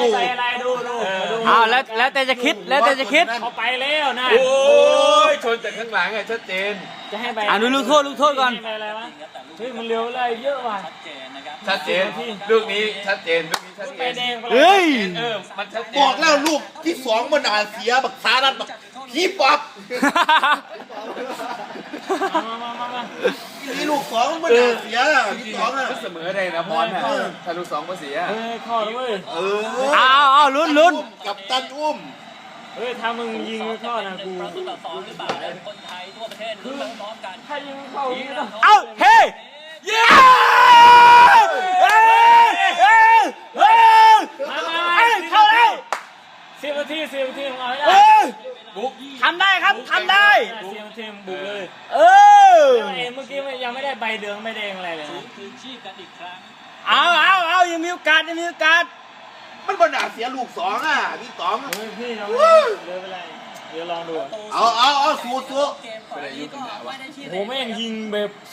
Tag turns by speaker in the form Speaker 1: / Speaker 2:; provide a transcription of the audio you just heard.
Speaker 1: ใส่อะไรดูดู
Speaker 2: เอาแล้วแต่จะคิดแล้วแต่จะคิด
Speaker 1: เขาไปแล้วนะ
Speaker 3: โอ้ยชนจากข้างหลังอะชัดเจน
Speaker 1: จะให้ไป
Speaker 2: ดูลูกโทษก่อน
Speaker 1: ให้ไปอะไรวะเฮ้ยมันเร็วเลยเยอะว่ะ
Speaker 3: ชัดเจนลูกนี้ชัดเจนลูกนี้ชัดเจ
Speaker 1: ไป
Speaker 3: น
Speaker 1: แดงไป
Speaker 2: เฮ้ย
Speaker 3: มันชัดเจน
Speaker 4: บอกแล้วลูกที่สองมันเสียบักสารัดบักพี่ป๊อป
Speaker 1: มา
Speaker 4: นี่ลูกสองมันเสียที่สองอ่ะ
Speaker 3: เสมอได้นะพรน่ะถ้าลูกสองมาเสีย
Speaker 1: เฮ้ยเข้าแล้วเว้ย
Speaker 2: เอาลุ้น
Speaker 4: กับตันอุ้ม
Speaker 1: เฮ้ยถ้ามึงยิงไม่เข้านะกู
Speaker 5: ประตูต่อ2หรือเปล่าเนี่ยคนไทยทั่วประเทศลุ้นพร้อมกัน
Speaker 1: ถ้ายิงไม่เข้าอย่างนี้นะ
Speaker 2: เอาเฮ้เย้เข้าแล้ว
Speaker 1: 10 นาทีของเราให้ได้
Speaker 3: บุ๊ก
Speaker 2: ทำได้ครับทำได้
Speaker 1: 10 นาทีมึงบุกเลย
Speaker 2: เออ
Speaker 1: เมื่อกี้ยังไม่ได้ใบเหลืองใบแดงอะไรเลยนะ
Speaker 5: คืนชีพกันอีกครั้ง
Speaker 2: เอายังมีโอกาส
Speaker 4: มันมันเสียลูกสองอ่ะพี่สอง
Speaker 1: เฮ้ยพี่เราเดินไปเลยเดี๋ยวลองดู
Speaker 4: เอาสู้
Speaker 5: เกมก่อนอันนี้ก็ไม่ได้ที่
Speaker 1: โหแม่งยิงแบบ